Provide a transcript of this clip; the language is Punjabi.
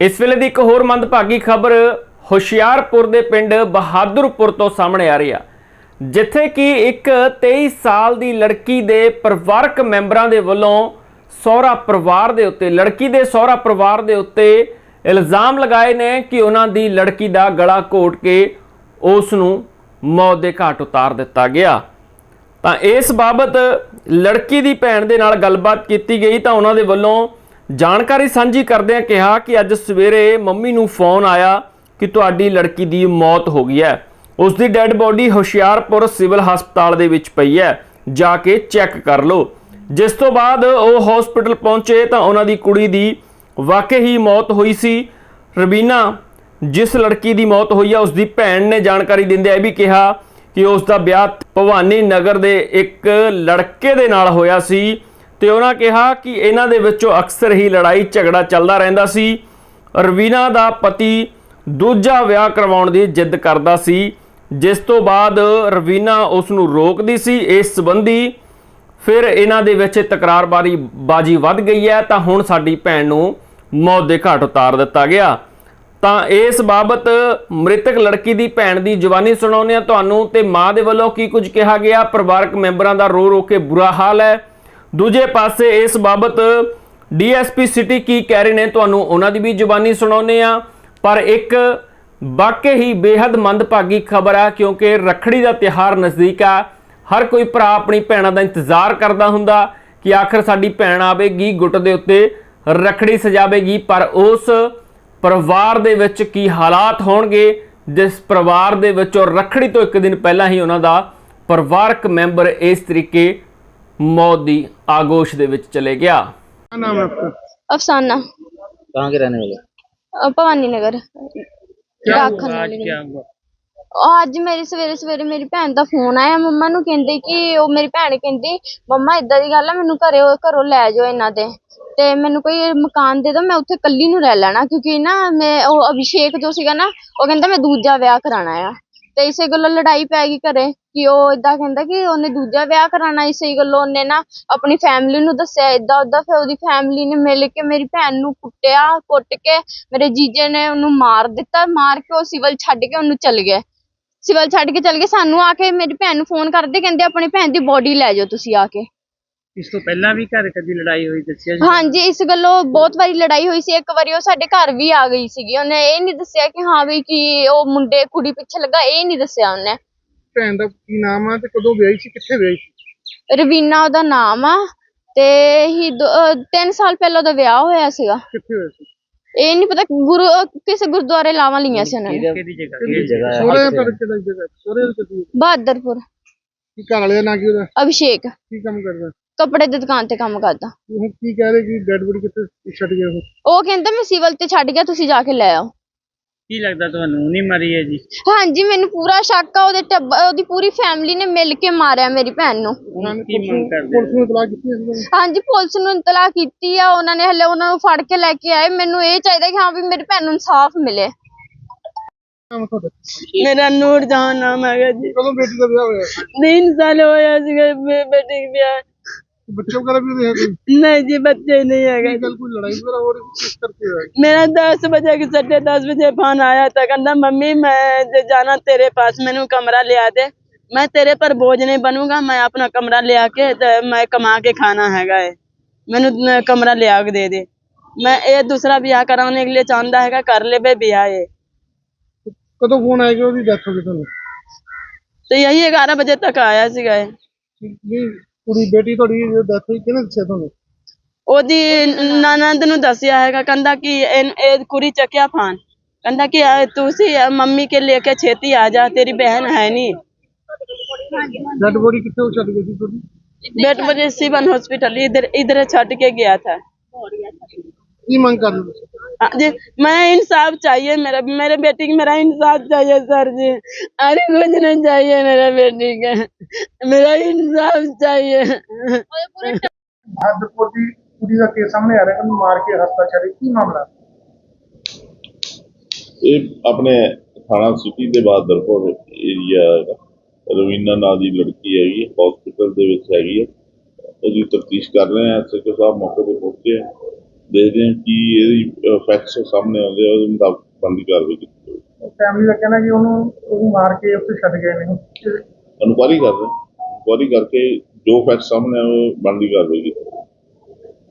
इस वेले दी एक होर मंदभागी खबर हुशियारपुर के पिंड बहादुरपुर तो सामने आ रही है, जिथे कि एक 23 साल की लड़की के परिवारक मैंबरां दे वल्लों सहुरा परिवार के उत्ते लड़की के सहुरा परिवार के उत्ते इल्ज़ाम लगाए ने कि उन्हां दी लड़की का गला घोट के उस नूं मौत के घाट उतार दिता गया। तो इस बाबत लड़की की भैन के नाल गलबात की गई तो उन्होंने वल्लों जानकारी साझी करदे कहा कि अज सवेरे मम्मी नूं फोन आया कि तुहाडी लड़की की मौत हो गई है, उसकी डैड बॉडी हुशियारपुर सिविल हस्पताल दे विच पई है, जाके चैक कर लो। जिस तो बाद वो हॉस्पिटल पहुंचे तो उन्होंने कुड़ी की वाकई ही मौत हुई सी। रवीना जिस लड़की की मौत हुई है उसकी भैन ने जानकारी दिंदे यह भी कहा कि उसका ब्याह भवानी नगर के एक लड़के दे नाल होया सी ते उन्होंने कहा कि इन्हां दे विचों अक्सर ही लड़ाई झगड़ा चलता रहिंदा सी। रवीना दा पति दूजा विआह करवाउण दी जिद करदा सी, जिस तो बाद रवीना उसनूं रोकदी सी। इस संबंधी फिर इन्हां दे विच तकरारबाजी वध गई है तो हुण साडी भैन नूं मौत दे घाट उतार दिता गया। तो इस बाबत मृतक लड़की की भैन की जवानी सुणाउने तुहानूं ते मां दे वल्लों की कुछ कहा गया। परिवारक मैंबरां दा रो रो के बुरा हाल है। दूजे पासे इस बाबत DSP सिटी की कह रहे ने तुहानूं उन्हां दी भी जवानी सुणाउने आ। पर एक वाकई ही बेहद मंदभागी खबर है, क्योंकि रखड़ी का त्यौहार नज़दीक आ। हर कोई भरा अपनी भैनों का इंतजार करता हुंदा कि आखिर साडी भैन आवेगी, गुट दे उत्ते रखड़ी सजावेगी। पर उस परिवार दे विच की हालात होणगे जिस परिवार दे विच रखड़ी तो एक दिन पहला ही उन्हां दा परिवारक मैंबर इस तरीके मौत की आगोश दे विच चले गया। क्या नाम है आपका? अफसाना। कहाँ के रहने वाले? भवानी नगर। क्या राखन हुआ आज? वाली क्या गली। हुआ? ਅੱਜ ਮੇਰੇ ਸਵੇਰੇ ਸਵੇਰੇ ਮੇਰੀ ਭੈਣ ਦਾ ਫੋਨ ਆਇਆ, ਮੰਮਾ ਨੂੰ ਕਹਿੰਦੇ ਕਿ ਉਹ ਮੇਰੀ ਭੈਣ ਕਹਿੰਦੀ ਮੰਮਾ ਇਦਾਂ ਦੀ ਗੱਲ ਆ, ਮੈਨੂੰ ਘਰੋਂ ਲੈ ਜਾਓ ਇਹਨਾਂ ਦੇ ਤੇ ਮੈਨੂੰ ਕੋਈ ਮਕਾਨ ਦੇ ਦਿਓ, ਮੈਂ ਉੱਥੇ ਕੱਲੀ ਨੂੰ ਰਹਿ ਲੈਣਾ, ਕਿਉਂਕਿ ਨਾ ਮੈਂ ਉਹ ਅਭਿਸ਼ੇਕ ਜੋ ਸੀਗਾ ਨਾ ਉਹ ਕਹਿੰਦਾ ਮੈਂ ਦੂਜਾ ਵਿਆਹ ਕਰਾਣਾ ਆ। ਤੇ ਇਸੇ ਗੱਲੋਂ ਲੜਾਈ ਪੈ ਗਈ ਘਰੇ ਕਿ ਉਹ ਇਦਾਂ ਕਹਿੰਦਾ ਕਿ ਉਹਨੇ ਦੂਜਾ ਵਿਆਹ ਕਰਾਣਾ। ਇਸੇ ਗੱਲੋਂ ਉਹਨੇ ਨਾ ਆਪਣੀ ਫੈਮਿਲੀ ਨੂੰ ਦੱਸਿਆ ਇਦਾਂ ਉਦਾਂ। ਫਿਰ ਉਹਦੀ ਫੈਮਿਲੀ ਨੇ ਮਿਲ ਕੇ ਮੇਰੀ ਭੈਣ ਨੂੰ ਕੁੱਟਿਆ, ਕੁੱਟ ਕੇ ਮੇਰੇ ਜੀਜੇ ਨੇ ਉਹਨੂੰ ਮਾਰ ਦਿੱਤਾ। ਮਾਰ ਕੇ ਉਹ ਸਿਵਲ ਛੱਡ ਕੇ ਉਹਨੂੰ ਚਲ ਗਏ। ਸਿਵਲ ਛੱਡ ਕੇ ਚਲ ਗਏ। ਸਾਨੂੰ ਆ ਕੇ ਮੇਰੀ ਭੈਣ ਨੂੰ ਫੋਨ ਕਰਦੇ, ਕਹਿੰਦੇ ਆਪਣੀ ਭੈਣ ਦੀ ਬੋਡੀ ਲੈ ਜਾਓ ਤੁਸੀਂ ਆ ਕੇ। ਇਸ ਤੋਂ ਪਹਿਲਾਂ ਵੀ ਘਰ ਕਦੀ ਲੜਾਈ ਹੋਈ ਦੱਸਿਆ ਜੀ? ਹਾਂਜੀ, ਇਸ ਗੱਲੋਂ ਬਹੁਤ ਵਾਰੀ ਲੜਾਈ ਹੋਈ ਸੀ। ਇੱਕ ਵਾਰੀ ਉਹ ਸਾਡੇ ਘਰ ਵੀ ਆ ਗਈ ਸੀਗੀ। ਉਹਨੇ ਇਹ ਨਹੀਂ ਦੱਸਿਆ ਕਿ ਹਾਂ ਵੀ ਕਿ ਉਹ ਮੁੰਡੇ ਕੁੜੀ ਪਿੱਛੇ ਲੱਗਾ, ਇਹ ਨਹੀਂ ਦੱਸਿਆ ਉਹਨੇ। ਭੈਣ ਦਾ ਕੀ ਨਾਮ ਆ ਤੇ ਕਦੋਂ ਵਿਆਹੀ ਸੀ, ਕਿੱਥੇ ਵਿਆਹੀ ਸੀ? ਰਵੀਨਾ ਉਹਦਾ ਨਾਮ ਆ ਤੇ 3 ਸਾਲ ਪਹਿਲਾਂ ਉਹਦਾ ਵਿਆਹ ਹੋਇਆ ਸੀਗਾ। ਕਿੱਥੇ ਹੋਇਆ ਸੀ? ਇਹ ਨਹੀਂ ਪਤਾ, ਕਿਸੇ ਗੁਰਦੁਆਰੇ ਲਾਵਾਂ ਲਈਆਂ ਸੀ ਉਹਨਾਂ ਨੇ। ਕਿਹਦੀ ਜਗ੍ਹਾ? ਕਿਹੜੀ ਜਗ੍ਹਾ ਹੈ? ਸੋਹਰੇ ਪਰ ਕਿਹੜੀ ਜਗ੍ਹਾ? ਸੋਹਰੇ ਕਿੱਥੇ? ਬਹਾਦਰਪੁਰ। ਕੀ ਘਰ ਵਾਲੇ ਦਾ ਨਾਂ ਕੀ ਉਹਦਾ? ਅਭਿਸ਼ੇਕ ਕੀ ਕੰਮ ਕਰਦਾ? ਕੱਪੜੇ ਦੀ ਦੁਕਾਨ ਤੇ ਕੰਮ ਕਰਦਾ। ਹੁਣ ਕੀ ਕਹਿ ਰਹੇ ਕਿ ਡੈਡ ਬੋਡੀ ਕਿੱਥੇ ਛੱਡ ਗਿਆ ਉਹ? ਉਹ ਕਹਿੰਦਾ ਮੈਂ ਸਿਵਲ ਤੇ ਛੱਡ ਗਿਆ, ਤੁਸੀਂ ਜਾ ਕੇ ਲੈ ਆਓ। ਕੀ ਲੱਗਦਾ ਤੁਹਾਨੂੰ ਨਹੀਂ ਮਰੀ ਹੈ ਜੀ? ਹਾਂਜੀ, ਮੈਨੂੰ ਪੂਰਾ ਸ਼ੱਕ ਆ। ਉਹਦੀ ਪੂਰੀ ਫੈਮਿਲੀ ਨੇ ਮਿਲ ਕੇ ਮਾਰਿਆ ਮੇਰੀ ਭੈਣ ਨੂੰ। ਉਹਨਾਂ ਨੇ ਕੀ ਮੰਗ ਕਰਦੇ? ਪੁਲਿਸ ਨੂੰ ਇਤਲਾਹ ਕੀਤੀ ਸੀ? ਹਾਂਜੀ, ਪੁਲਿਸ ਨੂੰ ਇਤਲਾਹ ਕੀਤੀ ਆ ਉਹਨਾਂ ਨੇ। ਹਲੇ ਉਹਨਾਂ ਨੂੰ ਫੜ ਕੇ ਲੈ ਕੇ ਆਏ। ਮੈਨੂੰ ਇਹ ਚਾਹੀਦਾ ਕਿ ਹਾਂ ਵੀ ਮੇਰੀ ਭੈਣ ਨੂੰ ਇਨਸਾਫ ਮਿਲੇ। ਨਾਮ ਤੁਹਾਡਾ? मेरा नूर जहां नाम है जी। ਕਦੋਂ ਬੇਟੀ ਦਾ ਵਿਆਹ ਹੋਇਆ? 3 साल होया सीगा बेटी के ब्याह। ਬੱਚੇ ਵਗੈਰਾ ਵੀ ਉਹਦੇ ਹੈ ਕੋਈ? नहीं जी, बच्चे नहीं है। ਕੀ ਗੱਲ ਕੋਈ ਲੜਾਈ ਵਗੈਰਾ ਹੋ ਰਹੀ ਸੀ? ਕਿਸ ਕਰਕੇ ਹੋਇਆ? मेरा 10 बजे के 10:30 बजे फोन आया था, कहना मम्मी मैं जाना तेरे पास, मैंने कमरा ले आ दे, मैं तेरे पर बोझ नहीं बनूंगा, मैं अपना कमरा ले आके मैं कमा के खाना हैगा है, मैंने कमरा ले आके दे दे। मैं ये दूसरा ब्याह कराने के लिए चाहता है, कर ले बे ब्याह। ये ਕਦੋਂ ਫੋਨ ਆਇਆ ਕਿ ਉਹਦੀ ਡੈਥ ਹੋ ਗਈ ਤੁਹਾਨੂੰ? तो यही 11 बजे तक आया सीगा। ਵੀ ਕੁੜੀ ਬੇਟੀ ਤੁਹਾਡੀ ਡੈਥ ਹੋਈ ਕਿਹਨੇ ਦੱਸਿਆ ਤੁਹਾਨੂੰ? ਉਹਦੀ ਨਨਦ ਨੂੰ ਦੱਸਿਆ ਹੈਗਾ, ਕਹਿੰਦਾ ਕਿ ਇਹ ਕੁੜੀ ਚੱਕਿਆ ਫਾਨ, ਕਹਿੰਦਾ ਕਿ ਤੁਸੀਂ ਮੰਮੀ ਕੇ ਲੈ ਕੇ ਛੇਤੀ ਆ ਜਾ, ਤੇਰੀ ਬਹਿਨ ਹੈ ਨਹੀਂ। ਡੈਡ ਬੋਡੀ ਕਿੱਥੇ ਛੱਡ ਗਈ ਸੀ ਤੁਹਾਡੀ? बेट बजे सिवन हॉस्पिटल इधर छट के गया था। ਕੀ ਮੰਗ ਕਰ ਰਹੇ ਤੁਸੀਂ? हाँ जी, मैं इंसाफ चाहिए, मेरे बेटी की मेरा इंसाफ चाहिए सर जी। अरे कुछ नहीं चाहिए मेरे बेटी का, मेरा इंसाफ चाहिए। ਬਹਾਦਰਪੁਰ ਦੀ ਕੁੜੀ ਦਾ ਕੇਸ ਸਾਹਮਣੇ ਆ ਰਿਹਾ ਕਿ ਉਹਨੂੰ ਮਾਰ ਕੇ ਹਸਪਤਾਲ ਛੱਡੇ, ਕੀ ਮਾਮਲਾ? ਇਹ ਆਪਣੇ ਥਾਣਾ ਸਿਟੀ ਦੇ ਬਹਾਦਰਪੁਰ ਏਰੀਆ ਹੈਗਾ। ਰਵੀਨਾ ਨਾਂ ਦੀ ਲੜਕੀ ਹੈਗੀ, ਹਸਪੀਟਲ ਦੇ ਵਿੱਚ ਹੈਗੀ ਹੈ। ਉਹਦੀ ਤਫਤੀਸ਼ ਕਰ ਰਹੇ ਹਾਂ। ਐਸਐਚਓ ਸਾਹਿਬ ਮੌਕੇ ਤੇ ਪਹੁੰਚੇ ਆ, ਦੇਖਦੇ ਹਾਂ ਕਿ ਇਹਦੀ ਫੈਕਟਸ ਸਾਹਮਣੇ ਆਉਂਦੇ ਆ, ਉਹਦੇ ਮੁਤਾਬਕ ਬਣਦੀ ਕਾਰਵਾਈ ਕੀਤੀ ਜਾਊਗੀ। ਫੈਮਿਲੀ ਦਾ ਕਹਿਣਾ ਕਿ ਉਹਨੂੰ ਮਾਰ ਕੇ ਉੱਥੇ ਛੱਡ ਗਏ ਨੇ। ਇਨਕੁਆਇਰੀ ਕਰਦੇ, ਇਨਕੁਆਇਰੀ ਕਰਕੇ ਜੋ ਫੈਕਟ ਸਾਹਮਣੇ ਆ ਉਹ ਬਣਦੀ ਕਾਰਵਾਈ ਕੀਤੀ।